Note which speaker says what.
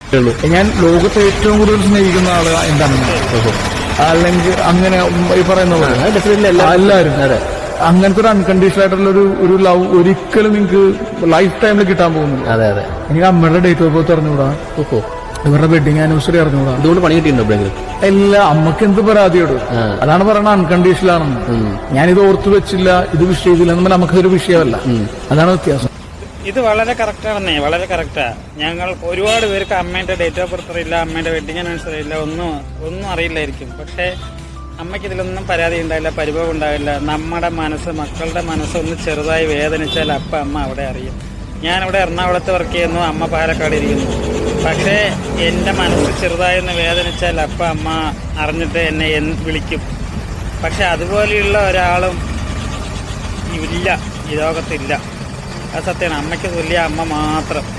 Speaker 1: ഞാൻ ലോകത്തെ ഏറ്റവും കൂടുതൽ സ്നേഹിക്കുന്ന ആള് എന്റെ അമ്മ. അല്ലെങ്കിൽ അങ്ങനെ ഈ പറയുന്ന എല്ലാവരും അങ്ങനത്തെ ഒരു അൺകണ്ടീഷണൽ ആയിട്ടുള്ള ഒരു ലവ് ഒരിക്കലും നിങ്ങൾക്ക് ലൈഫ് ടൈമിൽ കിട്ടാൻ പോകുന്നു. എനിക്ക് അമ്മയുടെ ഡേറ്റ് ഓഫ് ബർത്ത് അറിഞ്ഞുകൂടാ, ഇവരുടെ വെഡിങ് ആനിവേഴ്സറി അറിഞ്ഞുകൂടാ.
Speaker 2: അതുകൊണ്ട് പണി കിട്ടിയിട്ടുണ്ടോ?
Speaker 1: എല്ലാ അമ്മക്ക് എന്ത് പരാതിയോട്, അതാണ് പറയുന്നത് അൺകണ്ടീഷണൽ ആണെന്ന്. ഞാനിത് ഓർത്തു വെച്ചില്ല, ഇത് വിഷയത്തില്ല എന്നാൽ നമുക്കതൊരു വിഷയമല്ല. അതാണ് വ്യത്യാസം.
Speaker 3: ഇത് വളരെ കറക്റ്റാണെന്നേ, വളരെ കറക്റ്റാ. ഞങ്ങൾ ഒരുപാട് പേർക്ക് അമ്മേന്റെ ഡേറ്റ് ഓഫ് ബർത്ത് അറിയില്ല, അമ്മേന്റെ വെഡിങ് ആനിവേഴ്സറി അറിയില്ല, ഒന്നും അറിയില്ലായിരിക്കും. പക്ഷെ അമ്മയ്ക്ക് ഇതിലൊന്നും പരാതി ഉണ്ടാവില്ല, പരിഭവം ഉണ്ടാവില്ല. നമ്മുടെ മനസ്സ്, മക്കളുടെ മനസ്സൊന്ന് ചെറുതായി വേദനിച്ചാൽ അമ്മ അവിടെ അറിയും. ഞാനിവിടെ എറണാകുളത്ത് വർക്ക് ചെയ്യുന്നു, അമ്മ പാലക്കാട് ഇരിക്കുന്നു. പക്ഷേ എൻ്റെ മനസ്സ് ചെറുതായൊന്ന് വേദനിച്ചാൽ അമ്മ അറിഞ്ഞിട്ട് എന്നെ വിളിക്കും. പക്ഷെ അതുപോലെയുള്ള ഒരാളും ഇല്ല, ഈ ലോകത്തില്ല. അത് സത്യമാണ്. അമ്മയ്ക്ക് തുല്യ അമ്മ മാത്രം.